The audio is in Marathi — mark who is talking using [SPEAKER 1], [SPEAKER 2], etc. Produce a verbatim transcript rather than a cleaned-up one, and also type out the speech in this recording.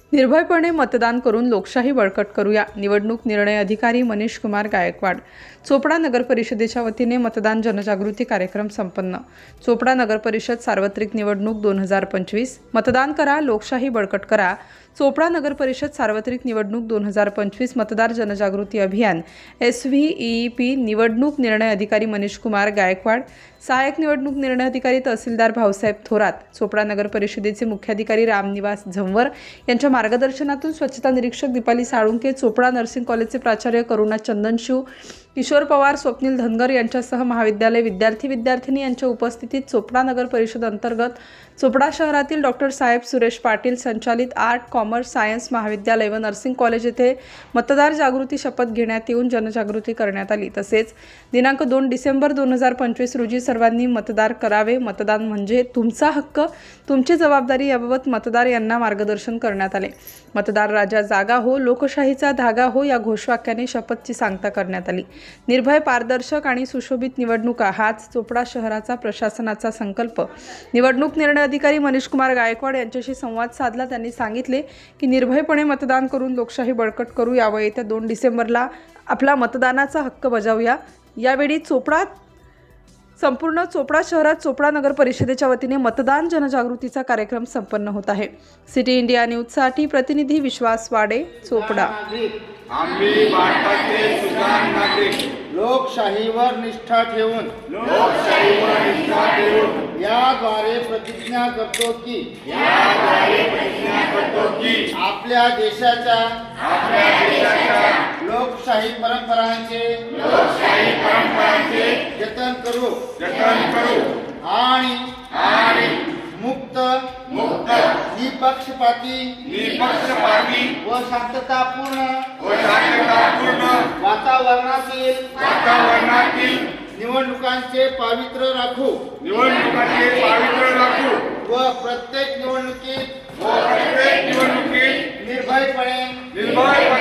[SPEAKER 1] निर्भयपणे मतदान करून लोकशाही बळकट करूया. निवडणूक निर्णय अधिकारी मनीष कुमार गायकवाड. चोपडा नगर परिषदेच्या वतीने मतदान जनजागृती कार्यक्रम संपन्न. चोपडा नगर परिषद सार्वत्रिक निवडणूक दोन हजार पंचवीस. मतदान करा, लोकशाही बळकट करा. चोपडा नगर परिषद सार्वत्रिक निवडणूक दोन हजार पंचवीस मतदार जनजागृती अभियान. एस व्ही ई पी निवडणूक निर्णय अधिकारी मनीष कुमार गायकवाड. सहाय्यक निवडणूक निर्णय अधिकारी तहसीलदार भाऊसाहेब थोरात. चोपडा नगर परिषदेचे मुख्याधिकारी रामनिवास झंवर यांच्या मार्गदर्शनातून स्वच्छता निरीक्षक दीपाली साळुंके, चोपडा नर्सिंग कॉलेजचे प्राचार्य करुणा चंदनशिव, किशोर पवार, स्वप्नील धनगर यांच्यासह महाविद्यालय विद्यार्थी विद्यार्थिनी यांच्या उपस्थितीत चोपडा नगर परिषद अंतर्गत चोपडा शहरातील डॉक्टर साहेब सुरेश पाटील संचालित आर्ट, कॉमर्स, सायन्स महाविद्यालय व नर्सिंग कॉलेज येथे मतदार जागृती शपथ घेण्यात येऊन जनजागृती करण्यात आली. तसेच दिनांक दोन डिसेंबर दोन हजार पंचवीस रोजी सर्वांनी मतदान करावे. मतदान म्हणजे तुमचा हक्क, तुमची जबाबदारी याबाबत मतदार यांना मार्गदर्शन करण्यात आले. मतदार राजा जागा हो, लोकशाहीचा धागा हो या घोषवाक्याने शपथची सांगता करण्यात आली. निर्भय, पारदर्शक आणि सुशोभित निवडणुका हाच चोपडा शहराचा प्रशासनाचा संकल्प. निवडणूक निर्णय अधिकारी मनीष कुमार गायकवाड यांच्याशी संवाद साधला. त्यांनी सांगितले की निर्भयपणे मतदान करून लोकशाही बळकट करू या व येत्या दोन डिसेंबरला आपला मतदानाचा हक्क बजावूया. यावेळी चोपडा संपूर्ण चोपडा शहरात चोपडा नगर परिषदेच्या वतीने मतदान जनजागृतीचा कार्यक्रम संपन्न होत आहे. सिटी इंडिया न्यूजसाठी प्रतिनिधी विश्वास वाडे, चोपडा.
[SPEAKER 2] आम्ही भारताचे सुजाण नागरिक
[SPEAKER 3] लोकशाहीवर निष्ठा ठेवून
[SPEAKER 2] लोकशाहीवर निष्ठा ठेवून
[SPEAKER 3] याद्वारे प्रतिज्ञा करतो की
[SPEAKER 2] याद्वारे प्रतिज्ञा करतो की
[SPEAKER 3] आपल्या देशाच्या
[SPEAKER 2] आपल्या देशाच्या
[SPEAKER 3] लोकशाही परंपरांचे
[SPEAKER 2] लोकशाही परंपरांचे
[SPEAKER 3] जतन करू
[SPEAKER 2] जतन करू
[SPEAKER 3] आणि
[SPEAKER 2] आणि
[SPEAKER 3] मुक्त
[SPEAKER 2] मुक्त
[SPEAKER 3] निपक्षपाती
[SPEAKER 2] निपक्षपाती
[SPEAKER 3] व शांततापूर्ण
[SPEAKER 2] व शांततापूर्ण
[SPEAKER 3] वातावरणातील
[SPEAKER 2] वातावरणातील
[SPEAKER 3] निवडणुकांचे पावित्र्य राखू
[SPEAKER 2] निवडणुकांचे पावित्र्य राखू
[SPEAKER 3] व प्रत्येक निवडणुकीत
[SPEAKER 2] व प्रत्येक निवडणुकीत
[SPEAKER 3] निर्भयपणे
[SPEAKER 2] निर्भयपणे